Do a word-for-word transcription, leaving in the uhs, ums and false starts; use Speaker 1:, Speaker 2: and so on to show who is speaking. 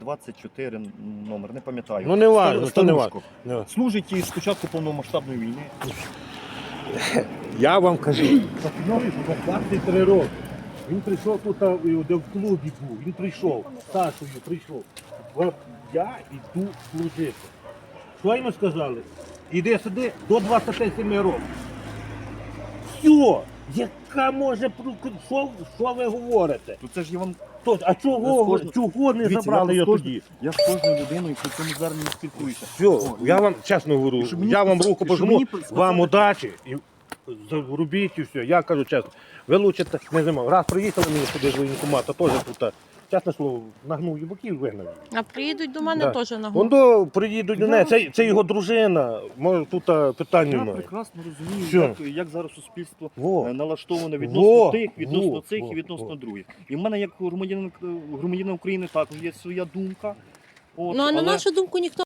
Speaker 1: двадцять чотири номер, не пам'ятаю.
Speaker 2: Ну не важно,
Speaker 1: Стар-
Speaker 2: то не
Speaker 1: старушко.
Speaker 2: важно.
Speaker 1: Служить із початку повномасштабної війни.
Speaker 2: Я вам кажу, двадцять три роки. Він прийшов тут, а, де в клубі був, він прийшов, з Сашою прийшов. Ва- Я йду служити. Що йому сказали? Іди сюди до двадцяти семи років. Все! Яка може, про- що, що ви говорите?
Speaker 1: То це ж я вам
Speaker 2: То, а чого,
Speaker 1: з кожного-
Speaker 2: чого не
Speaker 1: Дивіться,
Speaker 2: забрали
Speaker 1: я
Speaker 2: його
Speaker 1: з кожною-
Speaker 2: тоді?
Speaker 1: Я з кожною людиною по цьому зверненню спілкуюся.
Speaker 2: Все,
Speaker 1: О,
Speaker 2: я вам чесно говорю,
Speaker 1: і щоб мені
Speaker 2: я вам
Speaker 1: спеці-
Speaker 2: руку
Speaker 1: і щоб
Speaker 2: пожму,
Speaker 1: мені спеціально-
Speaker 2: вам удачі і робіть і все. Я кажу чесно, ви лучше так не зима. Раз приїхали мені сюди з воєнкомата, теж тут, чесне слово, нагнув юбаків і вигнав.
Speaker 3: А приїдуть до мене
Speaker 2: Да.
Speaker 3: теж на
Speaker 2: Вон
Speaker 3: гон.
Speaker 2: до приїдуть до
Speaker 1: Я
Speaker 2: неї, це,
Speaker 1: розумію.
Speaker 2: це його дружина, може тут а, питань
Speaker 1: Я
Speaker 2: немає.
Speaker 1: прекрасно розумію,
Speaker 2: Що?
Speaker 1: як, як зараз суспільство
Speaker 2: Во.
Speaker 1: е, налаштоване відносно
Speaker 2: Во,
Speaker 1: тих, відносно
Speaker 2: во,
Speaker 1: цих
Speaker 2: во,
Speaker 1: і відносно
Speaker 2: во.
Speaker 1: других. І в мене як громадянина, громадянина України також є своя думка. От,
Speaker 3: Ну а на
Speaker 1: але-
Speaker 3: нашу думку ніхто